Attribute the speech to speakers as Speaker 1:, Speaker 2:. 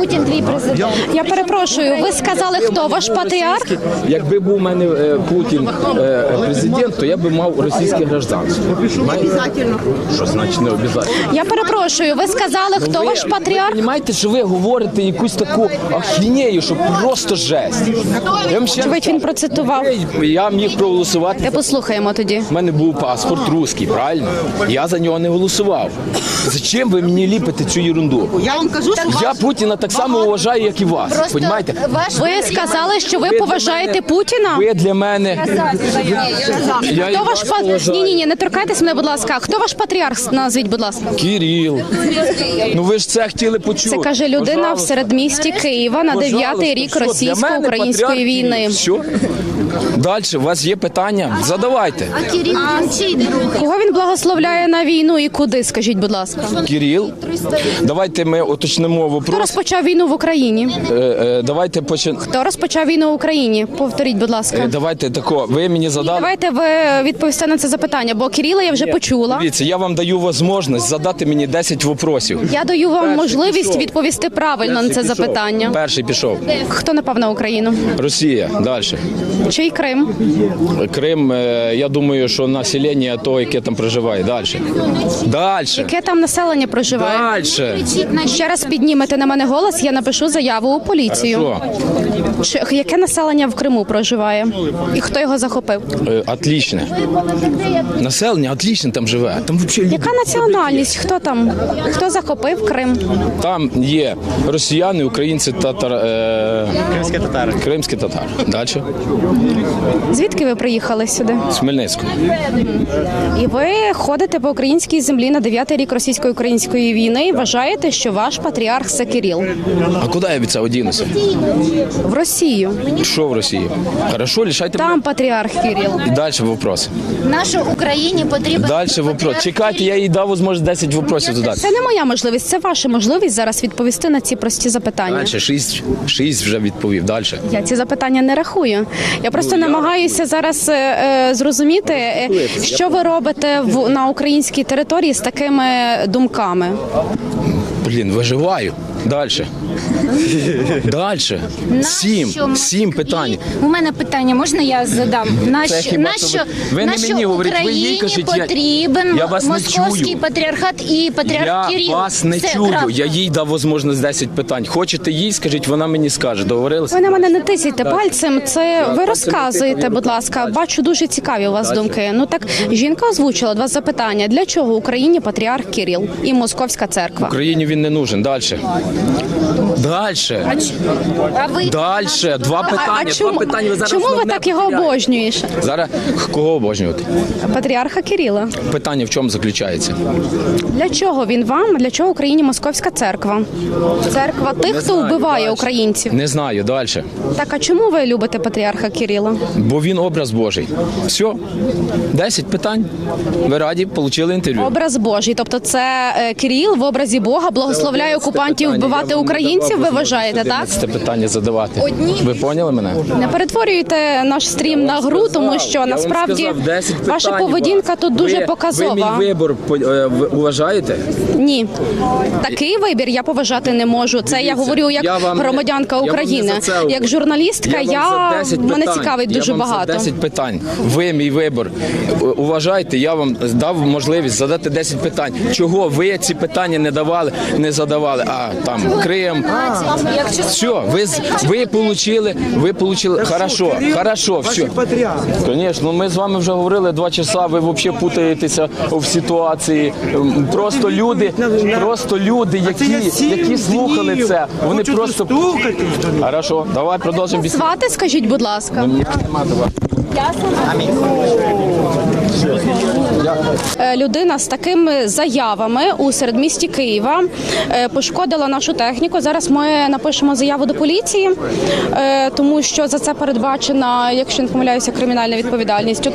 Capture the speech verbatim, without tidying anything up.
Speaker 1: Путін твій президент.
Speaker 2: Я перепрошую, ви сказали, хто ваш патріарх?
Speaker 3: Якби був у мене е, Путін е, президент, то я би мав російське гражданство. Обов'язково. Що значить не обов'язково?
Speaker 2: Я перепрошую, ви сказали, хто
Speaker 3: ви,
Speaker 2: ваш патріарх?
Speaker 3: Ви розумієте, що ви говорите якусь таку ахінею, що просто жесть. Я вам ще раз
Speaker 2: Очевидь, він
Speaker 3: кажу,
Speaker 2: процитував.
Speaker 3: Я міг проголосувати.
Speaker 2: Та послухаємо тоді.
Speaker 3: У мене був паспорт русський, правильно? Я за нього не голосував. Зачем ви мені ліпите цю ерунду?
Speaker 1: Я вам кажу, що
Speaker 3: Я Путіна так само вважаю, як і вас.
Speaker 1: Просто
Speaker 3: Понімаєте?
Speaker 1: ваш
Speaker 2: Ви сказали, що ви
Speaker 3: Ви для
Speaker 2: поважаєте
Speaker 3: мене-
Speaker 2: Путіна?
Speaker 3: Ви для мене... Я і
Speaker 2: Хто ваш
Speaker 3: вас
Speaker 2: па...
Speaker 3: поважаю.
Speaker 2: Ні, ні, ні, не торкайтесь мене, будь ласка. Хто ваш патріарх? Назвіть, будь ласка.
Speaker 3: Кирил. Ну ви ж це хотіли почути.
Speaker 2: Це каже людина в
Speaker 3: Пожалуйста.
Speaker 2: середмісті Києва на
Speaker 3: Пожалуйста.
Speaker 2: дев'ятий рік
Speaker 3: Що, для
Speaker 2: російсько-української
Speaker 3: мене
Speaker 2: війни.
Speaker 3: патріарх Кирил? Що? Далі, у вас є питання? Задавайте.
Speaker 1: А Кирил чий друг?
Speaker 2: Кого він благословляє на війну і куди, скажіть, будь ласка?
Speaker 3: Кирил. Давайте ми уточнимо
Speaker 2: Хто
Speaker 3: вопрос.
Speaker 2: розпочав війну в Україні?
Speaker 3: Е, е, Давайте почнемо.
Speaker 2: Хто розпочав війну в Україні? Повторіть, будь ласка.
Speaker 3: Давайте тако. Ви мені задали.
Speaker 2: Давайте ви відповісте на це запитання, бо Кирила я вже почула.
Speaker 3: Дивіться, я вам даю можливість задати мені десять вопросів.
Speaker 2: Я даю вам
Speaker 3: Перший
Speaker 2: можливість
Speaker 3: пішов.
Speaker 2: відповісти правильно на це
Speaker 3: Перший пішов.
Speaker 2: запитання.
Speaker 3: Перший пішов.
Speaker 2: Хто напав на Україну?
Speaker 3: Росія. Далі.
Speaker 2: Чий Крим?
Speaker 3: Крим, е, я думаю, що населення то, яке там проживає. Далі. Далі.
Speaker 2: Яке там населення проживає?
Speaker 3: Далі.
Speaker 2: Ще раз піднімете на мене голос, я напишу заяву у поліцію.
Speaker 3: Що?
Speaker 2: Чи, яке населення в Криму проживає? І хто його захопив?
Speaker 3: Е, Отлично. Населення отлично там живе. Там взагалі
Speaker 2: Яка національність? Хто там? Хто захопив Крим?
Speaker 3: там є росіяни, українці, татар, е...
Speaker 4: Кримські татари.
Speaker 3: кримські татари. Далі.
Speaker 2: Звідки ви приїхали сюди?
Speaker 3: З Хмельницького.
Speaker 2: І ви ходите по українській землі на дев'ятий рік російсько-української війни і вважаєте, що ваш патріарх це Кирил.
Speaker 3: А куди я від цього дінуся?
Speaker 2: В Росію.
Speaker 3: Що в Росії? Хорошо, лишайте
Speaker 2: Там патріарх Кирил.
Speaker 3: І далі вопрос.
Speaker 1: Нашій Україні потрібен
Speaker 3: Далі вопрос. Чекайте, я їй дав можливість десять вопросів додати.
Speaker 2: Це не моя можливість, це ваша можливість зараз відповісти на ці прості запитання.
Speaker 3: Далі, шість, шість вже відповів. Далі.
Speaker 2: Я ці запитання не рахую. Я просто
Speaker 3: Ну, я
Speaker 2: намагаюся зараз е, е, зрозуміти, е, що ви робите в, на українській території з такими думками.
Speaker 3: Блін, виживаю. Далі. Далі. Сім.
Speaker 1: Нащо
Speaker 3: Сім питань.
Speaker 1: І у мене питання, можна я задам?
Speaker 3: Це
Speaker 1: Нащо,
Speaker 3: хіба
Speaker 1: нащо,
Speaker 3: що ви- ви не
Speaker 1: нащо
Speaker 3: мені говоріть, ви їй
Speaker 1: Україні
Speaker 3: кажіть, я-
Speaker 1: потрібен
Speaker 3: я вас не
Speaker 1: московський
Speaker 3: чую.
Speaker 1: патріархат і патріарх
Speaker 3: Я
Speaker 1: Кирил?
Speaker 3: вас не
Speaker 1: Це
Speaker 3: чую.
Speaker 1: правда.
Speaker 3: Я їй дав можливість десять питань. Хочете їй, скажіть, вона мені скаже. Договорилися?
Speaker 2: Ви на мене не тисяйте пальцем. Це ви
Speaker 3: пальцем
Speaker 2: розказуєте,
Speaker 3: не тикаю,
Speaker 2: будь ласка.
Speaker 3: дальше.
Speaker 2: Бачу, дуже цікаві у вас
Speaker 3: Дальше.
Speaker 2: думки. Ну так жінка озвучила два запитання: для чого Україні патріарх Кирил і Московська церква?
Speaker 3: Україні він не нужен. Далі. Далі.
Speaker 1: А ви
Speaker 3: Далі. Два питання.
Speaker 2: А чому,
Speaker 3: Два питання. Ви зараз
Speaker 2: чому ви
Speaker 3: основне
Speaker 2: так його
Speaker 3: потеряєте.
Speaker 2: обожнюєш?
Speaker 3: Зараз кого обожнювати?
Speaker 2: Патріарха Кирила.
Speaker 3: Питання в чому заключається?
Speaker 2: Для чого він вам? Для чого Україні Московська церква? Церква тих,
Speaker 3: Не
Speaker 2: хто
Speaker 3: знаю,
Speaker 2: вбиває
Speaker 3: дальше.
Speaker 2: українців.
Speaker 3: Не знаю, далі.
Speaker 2: Так, а чому ви любите патріарха Кирила?
Speaker 3: Бо він образ Божий. Все. Десять питань. Ви раді, отримали інтерв'ю.
Speaker 2: Образ Божий, тобто це е, Кирил в образі Бога благословляє окупантів вбивати українців, ви вважаєте, так?
Speaker 3: Це питання задавати. Ви поняли мене?
Speaker 2: Не перетворюйте наш стрім на гру, тому що
Speaker 3: Я вам
Speaker 2: насправді
Speaker 3: сказав, десять
Speaker 2: ваша
Speaker 3: питань у
Speaker 2: поведінка
Speaker 3: вас.
Speaker 2: тут дуже
Speaker 3: ви,
Speaker 2: показова.
Speaker 3: Ви мій вибір по- е, в- уважаєте?
Speaker 2: Ні, такий вибір я поважати не можу. Це я
Speaker 3: Дивіться,
Speaker 2: говорю як
Speaker 3: я вам не-
Speaker 2: громадянка
Speaker 3: я вам не
Speaker 2: України,
Speaker 3: за це говорю.
Speaker 2: як журналістка.
Speaker 3: вам
Speaker 2: Я,
Speaker 3: за десять
Speaker 2: мене
Speaker 3: питань,
Speaker 2: цікавить
Speaker 3: я
Speaker 2: дуже
Speaker 3: вам
Speaker 2: багато.
Speaker 3: За десять питань. Ви мій вибір. У- Уважайте, я вам дав можливість задати десять питань. Чого ви ці питання не давали, не задавали? А там Крим. Все, ви з- ви получили, ви получили. Хорошо, хорошо, все. Звісно, ми з вами вже говорили два часа. Ви взагалі путаєтеся в ситуації. Ем, Просто люди, просто люди, які, які слухали це, вони просто. Хорошо, давай продовжимо бесіду.
Speaker 2: Звати, скажіть, будь ласка.
Speaker 3: Мені нема до вас.
Speaker 2: Е, Людина з такими заявами у середмісті Києва е, пошкодила нашу техніку. Зараз ми напишемо заяву до поліції, е, тому що за це передбачена, якщо не помиляюся, кримінальна відповідальність.